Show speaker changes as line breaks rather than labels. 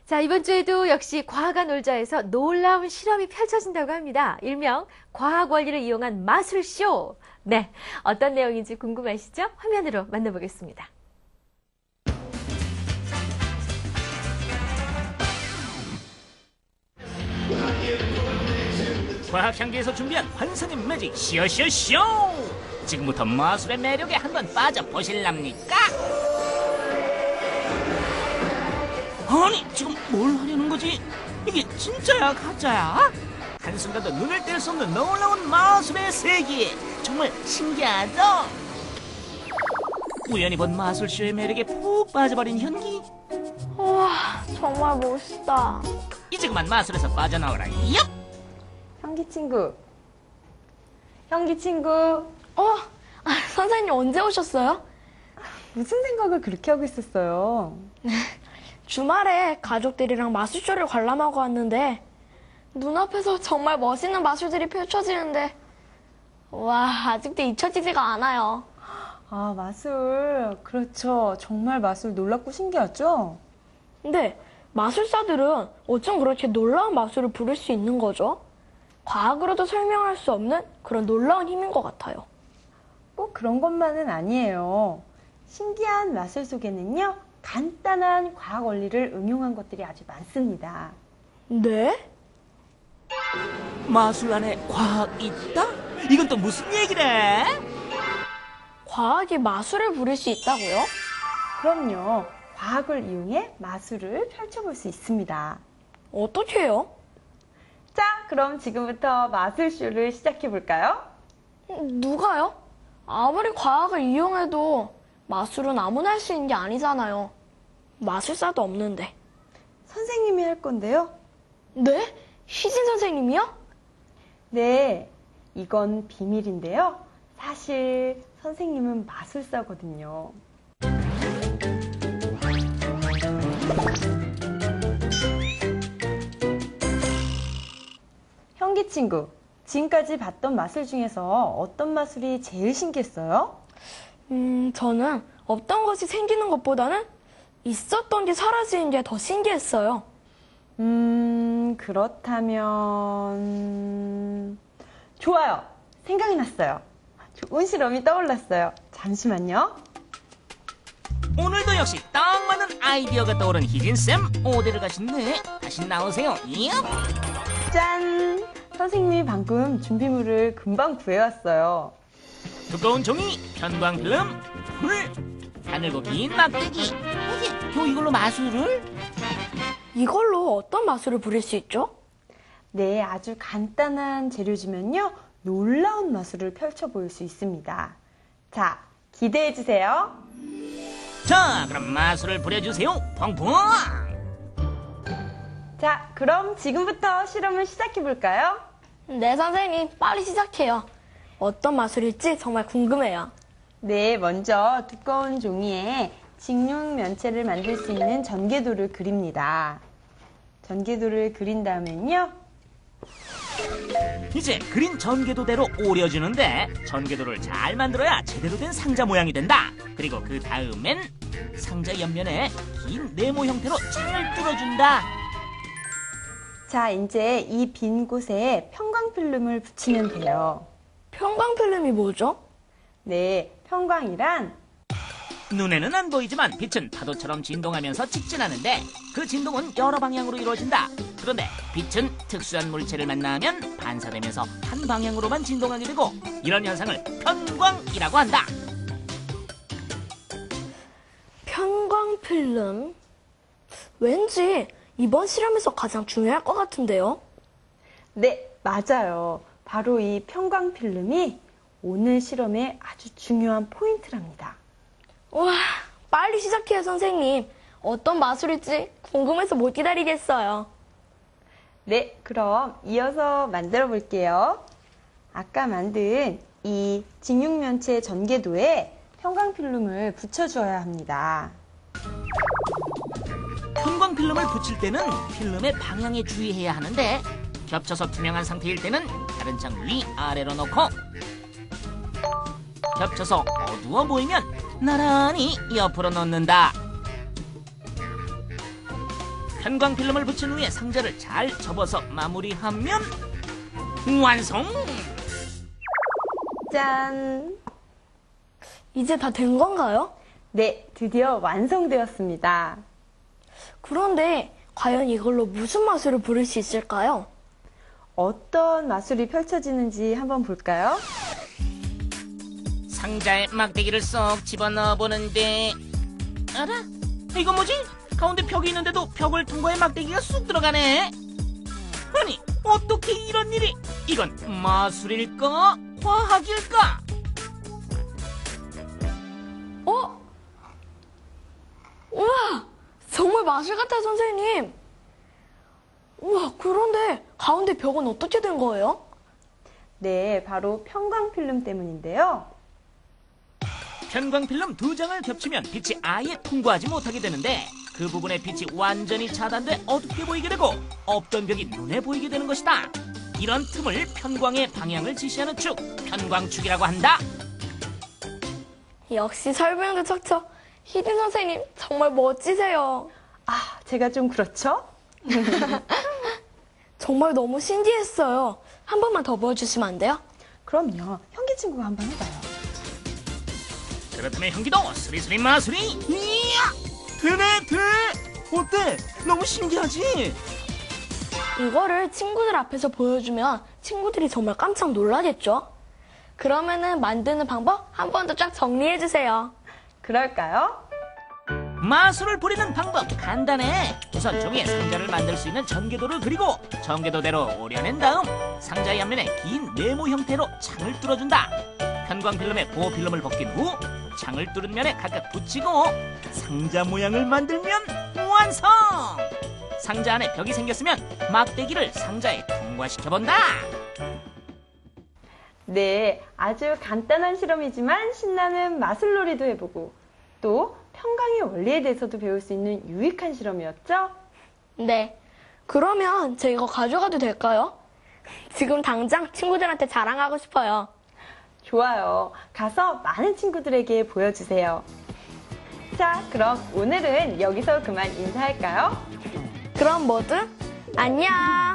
자, 이번 주에도 역시 과학과 놀자에서 놀라운 실험이 펼쳐진다고 합니다. 일명 과학 원리를 이용한 마술쇼. 네, 어떤 내용인지 궁금하시죠? 화면으로 만나보겠습니다.
과학향기에서 준비한 환상의 매직 쇼쇼쇼! 지금부터 마술의 매력에 한번 빠져보실랍니까? 아니, 지금 뭘 하려는 거지? 이게 진짜야, 가짜야? 한순간도 눈을 뗄 수 없는 놀라운 마술의 세계! 정말 신기하죠? 우연히 본 마술쇼의 매력에 푹 빠져버린 현기.
우와, 정말 멋있다.
이제 그만 마술에서 빠져나오라, 얍!
현기 친구. 현기 친구.
선생님 언제 오셨어요?
무슨 생각을 그렇게 하고 있었어요?
주말에 가족들이랑 마술쇼를 관람하고 왔는데 눈앞에서 정말 멋있는 마술들이 펼쳐지는데 와, 아직도 잊혀지지가 않아요.
아, 마술. 그렇죠. 정말 마술 놀랍고 신기하죠?
근데 마술사들은 어쩜 그렇게 놀라운 마술을 부릴 수 있는 거죠? 과학으로도 설명할 수 없는 그런 놀라운 힘인 것 같아요.
꼭 그런 것만은 아니에요. 신기한 마술 속에는요, 간단한 과학 원리를 응용한 것들이 아주 많습니다.
네?
마술 안에 과학이 있다? 이건 또 무슨 얘기래?
과학이 마술을 부릴 수 있다고요?
그럼요. 과학을 이용해 마술을 펼쳐볼 수 있습니다.
어떻게 해요?
자, 그럼 지금부터 마술쇼를 시작해볼까요?
누가요? 아무리 과학을 이용해도 마술은 아무나 할 수 있는 게 아니잖아요. 마술사도 없는데.
선생님이 할 건데요.
네? 희진 선생님이요?
네, 이건 비밀인데요. 사실 선생님은 마술사거든요. 현기 친구, 지금까지 봤던 마술 중에서 어떤 마술이 제일 신기했어요?
저는 없던 것이 생기는 것보다는 있었던 게 사라지는 게 더 신기했어요.
그렇다면... 좋아요. 생각이 났어요. 좋은 실험이 떠올랐어요. 잠시만요.
오늘도 역시 딱 맞는 아이디어가 떠오른 희진쌤, 오대를 가신네. 다시 나오세요. 얍!
짠! 선생님이 방금 준비물을 금방 구해왔어요.
두꺼운 종이, 편광필름, 불, 가늘고 긴 막대기. 또 이걸로 마술을?
이걸로 어떤 마술을 부릴 수 있죠?
네, 아주 간단한 재료지만요. 놀라운 마술을 펼쳐보일 수 있습니다. 자, 기대해주세요.
자, 그럼 마술을 부려주세요. 펑펑!
자, 그럼 지금부터 실험을 시작해볼까요?
네, 선생님, 빨리 시작해요. 어떤 마술일지 정말 궁금해요.
네, 먼저 두꺼운 종이에 직육 면체를 만들 수 있는 전개도를 그립니다. 전개도를 그린 다음엔요.
이제 그린 전개도대로 오려주는데 전개도를 잘 만들어야 제대로 된 상자 모양이 된다. 그리고 그 다음엔 상자 옆면에 긴 네모 형태로 잘 뚫어준다.
자, 이제 이 빈 곳에 편광필름을 붙이면 돼요.
편광필름이 뭐죠?
네, 편광이란
눈에는 안 보이지만 빛은 파도처럼 진동하면서 직진하는데 그 진동은 여러 방향으로 이루어진다. 그런데 빛은 특수한 물체를 만나면 반사되면서 한 방향으로만 진동하게 되고 이런 현상을 편광이라고 한다.
편광필름? 왠지 이번 실험에서 가장 중요할 것 같은데요?
네, 맞아요. 바로 이 편광필름이 오늘 실험의 아주 중요한 포인트랍니다.
와, 빨리 시작해요, 선생님. 어떤 마술일지 궁금해서 못 기다리겠어요.
네, 그럼 이어서 만들어 볼게요. 아까 만든 이 직육면체 전개도에 편광필름을 붙여주어야 합니다.
편광필름을 붙일 때는 필름의 방향에 주의해야 하는데 겹쳐서 투명한 상태일 때는 다른 창 위아래로 놓고 겹쳐서 어두워 보이면 나란히 옆으로 놓는다. 편광 필름을 붙인 후에 상자를 잘 접어서 마무리하면 완성!
짠!
이제 다 된 건가요?
네, 드디어 완성되었습니다.
그런데 과연 이걸로 무슨 마술을 부를 수 있을까요?
어떤 마술이 펼쳐지는지 한번 볼까요?
상자에 막대기를 쏙 집어넣어 보는데 알아? 이건 뭐지? 가운데 벽이 있는데도 벽을 통과해 막대기가 쑥 들어가네. 아니 어떻게 이런 일이? 이건 마술일까? 과학일까?
어? 우와! 정말 마술 같아, 선생님! 우와, 그런데 가운데 벽은 어떻게 된 거예요?
네, 바로 편광필름 때문인데요.
편광 필름 2장을 겹치면 빛이 아예 통과하지 못하게 되는데 그 부분에 빛이 완전히 차단돼 어둡게 보이게 되고 없던 벽이 눈에 보이게 되는 것이다. 이런 틈을 편광의 방향을 지시하는 축, 편광축이라고 한다.
역시 설명도 척척. 히든 선생님, 정말 멋지세요.
아, 제가 좀 그렇죠?
정말 너무 신기했어요. 한 번만 더 보여주시면 안 돼요?
그럼요. 현기 친구가 한번 해봐요.
그렇다면 형기도 스리스리 마술이 이야!
돼! 어때? 너무 신기하지?
이거를 친구들 앞에서 보여주면 친구들이 정말 깜짝 놀라겠죠? 그러면은 만드는 방법 한 번 더 쫙 정리해주세요.
그럴까요?
마술을 부리는 방법 간단해. 우선 종이에 상자를 만들 수 있는 전개도를 그리고 전개도대로 오려낸 다음 상자의 앞면에 긴 네모 형태로 창을 뚫어준다. 편광 필름에 보호 필름을 벗긴 후 창을 뚫은 면에 각각 붙이고 상자 모양을 만들면 완성! 상자 안에 벽이 생겼으면 막대기를 상자에 통과시켜본다.
네, 아주 간단한 실험이지만 신나는 마술놀이도 해보고 또 편광의 원리에 대해서도 배울 수 있는 유익한 실험이었죠?
네. 그러면 제 이거 가져가도 될까요? 지금 당장 친구들한테 자랑하고 싶어요.
좋아요. 가서 많은 친구들에게 보여주세요. 자, 그럼 오늘은 여기서 그만 인사할까요?
그럼 모두 안녕!